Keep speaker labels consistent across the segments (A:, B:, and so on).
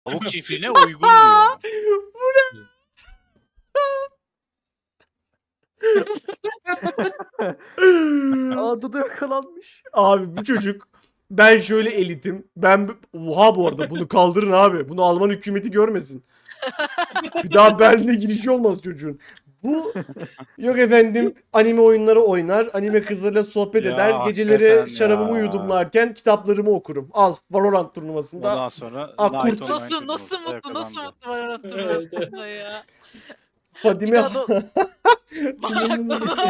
A: Tavuk çiftliğine uygun diyor.
B: Aa Dudu yakalanmış.
C: Abi bu çocuk, ben şöyle elitim. Oha, bu arada bunu kaldırın abi. Bunu Alman hükümeti görmesin. Bir daha Berlin'e girişi olmaz çocuğun. Bu yok efendim, anime oyunları oynar, anime kızlarıyla sohbet
A: Ya,
C: eder,
A: hakikaten
C: geceleri şarabımı
A: ya.
C: yudumlarken kitaplarımı okurum. Al, Valorant turnuvasında.
A: Ondan sonra
C: Aa,
A: Night
C: kurt.
A: Online
D: Nasıl
A: turnuvasında
D: mutlu nasıl
A: yakalandı.
D: mutlu var
E: Evet, evet.
D: hatırlamda ya.
C: Fadime
D: Bir daha Bak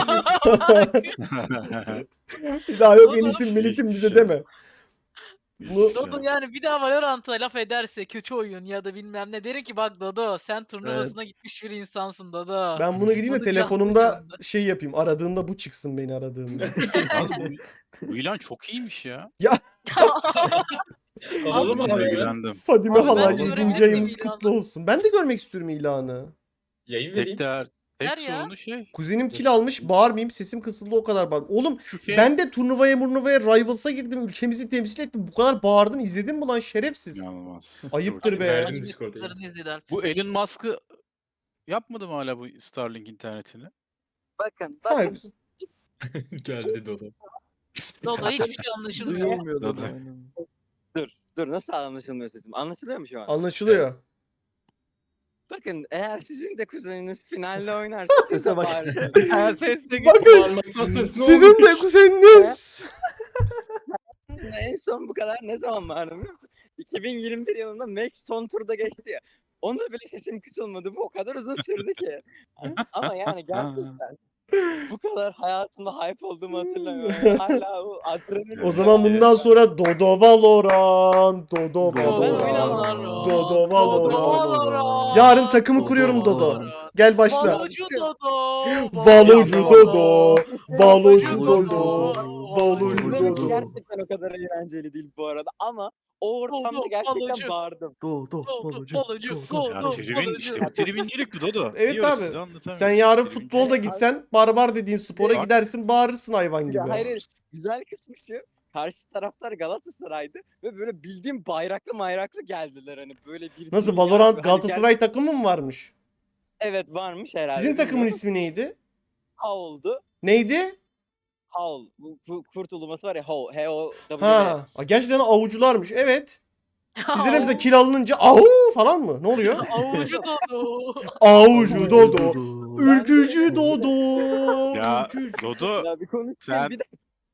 C: bir daha yok,
D: Oğlum,
C: elitim melitim
A: hiçbir
C: bize
A: şey.
C: deme. Bu
D: Dodo yani bir daha Valorant'a laf ederse kötü oyun ya da bilmem ne derim ki bak Dodo sen turnuvasına
B: Evet.
D: gitmiş bir insansın Dodo.
C: ben bunu gideyim de
D: Bunu canlı
C: telefonumda
D: canlı.
C: şey yapayım. Aradığında bu çıksın, beni aradığında.
A: Abi bu ilan çok iyiymiş ya.
E: Havalı mı
A: Ben
E: abi?
A: ilgilendim.
C: Fadime
D: Abi ben
C: hala
D: de
C: 7.
D: göremedim
C: ayımız
D: ilanı.
C: kutlu olsun. Ben de görmek istiyorum ilanı.
E: Yayın vereyim.
A: Tek
D: Ver ya.
A: sorunu şey.
C: Kuzenim kil almış, bağırmayayım, sesim kısıldı, o kadar bağır. Oğlum
A: Şu şey
C: ben de turnuvaya Rivals'a girdim, ülkemizi temsil ettim. Bu kadar bağırdın, izledin mi lan şerefsiz?
A: inanılmaz.
C: Ayıptır
A: Çok
C: be.
A: iyi.
E: Verdim Discord'a.
D: Videolarını izlediler.
A: Bu Elon Musk'ı yapmadı mı hala bu Starlink internetini?
F: Bakın
C: Hayır.
E: Geldi Dodo.
D: Dodo hiçbir şey anlaşılmıyor.
B: Duyulmuyor
A: Dudu.
B: Dudu. Aynen.
F: dur nasıl anlaşılmıyor sesim? Anlaşılıyor mu şu an?
C: Anlaşılıyor.
F: Bakın eğer sizin de kuzeniniz finalde oynarsa siz
B: Sese
F: de
B: bak.
F: bağırın.
D: Her sesle
E: Parmaktan ses ne
C: Sizin
E: olmuş?
C: de kuzeniniz.
F: En son bu kadar ne zaman bağırdım biliyor musun? 2021 yılında Max son turda geçti ya. Onda bile sesim kısılmadı. Bu o kadar uzun sürdü ki. Ama yani gerçekten bu kadar hayatımda hype olduğumu hatırlamıyorum. Hala o adrenalin.
C: O zaman bundan sonra Dodo Valorant, Dodo
F: Ben
C: Valorant,
F: oynamam.
C: Dodo Valorant.
D: Valorant.
C: Yarın takımı
B: Dodo
C: kuruyorum Dodo.
D: Valorant.
C: Gel başla.
D: Valocu Dodo.
C: Valocu Dodo. Valocu Dodo.
B: Dodo.
C: Valocu
F: İzlemesi
C: Dodo.
F: gerçekten o kadar eğlenceli değil bu arada ama o ortamda
D: Dodo,
F: gerçekten
D: balocu.
F: bağırdım.
B: Dodo.
D: Balocu,
B: Balocu.
D: Dodo.
A: Ya
D: Dodo.
A: tribün işte bu tribüncilik bu Dodo.
C: Evet
A: Diyoruz
C: abi.
A: size, anlatamıyoruz.
C: Sen yarın
A: Tribüncilik.
C: futbolda gitsen, barbar dediğin spora
A: Bak.
C: gidersin, bağırırsın hayvan gibi.
F: Ya hayır, güzel kısmı şu. Karşı taraftar Galatasaray'dı ve böyle bildiğim bayraklı geldiler hani böyle bir
C: Nasıl,
F: dünya
C: Valorant
F: bir
C: Galatasaray takımı mı varmış?
F: Evet varmış herhalde.
C: Sizin takımın
F: bilmiyorum.
C: ismi neydi?
F: Houl'du.
C: Neydi?
F: Houl. Bu kurt uluması var ya Houl. H-O-W.
C: Ha, gerçekten avucularmış. Evet. Sizlere mesela kil alınınca au falan mı? Ne oluyor?
D: Avucu Dodo.
C: Avucu Dodo. Ülkücü Dodo.
A: Ya
C: Ülkücü.
A: Dodo
F: Ya bir konuşayım
A: sen
F: bir de.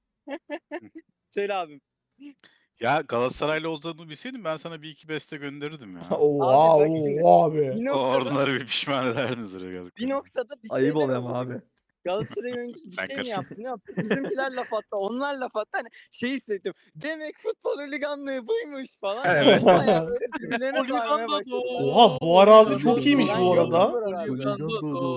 F: Söyle abim.
A: ya Galatasaraylı olduğunu bilseydim ben sana bir iki beste gönderirdim ya.
C: Oha,
F: Abi bak şimdi.
C: oha be.
F: Bir
A: O
F: noktada,
A: oraları bir pişman ederdiniz herhalde.
F: bir noktada bir
B: Ayıp
F: şeyler
B: oluyor
F: oldu.
B: ama abi.
F: Galatasaray oyuncusu bir
A: Sen
F: şey mi
A: karışma.
F: yaptı? Ne yaptı? Bizimkiler laf attı. Onlar laf attı. Hani şey hissettim. Demek futbol holiganlığı buymuş falan.
A: Evet.
F: Bayağı böyle birbirlerine
D: Holigan
F: bağırmaya
D: Dodo.
F: başladılar.
C: Oha, bu arazi çok
B: Holigan
C: iyiymiş bu
B: Dodo.
C: arada.
D: Holigan Dodo.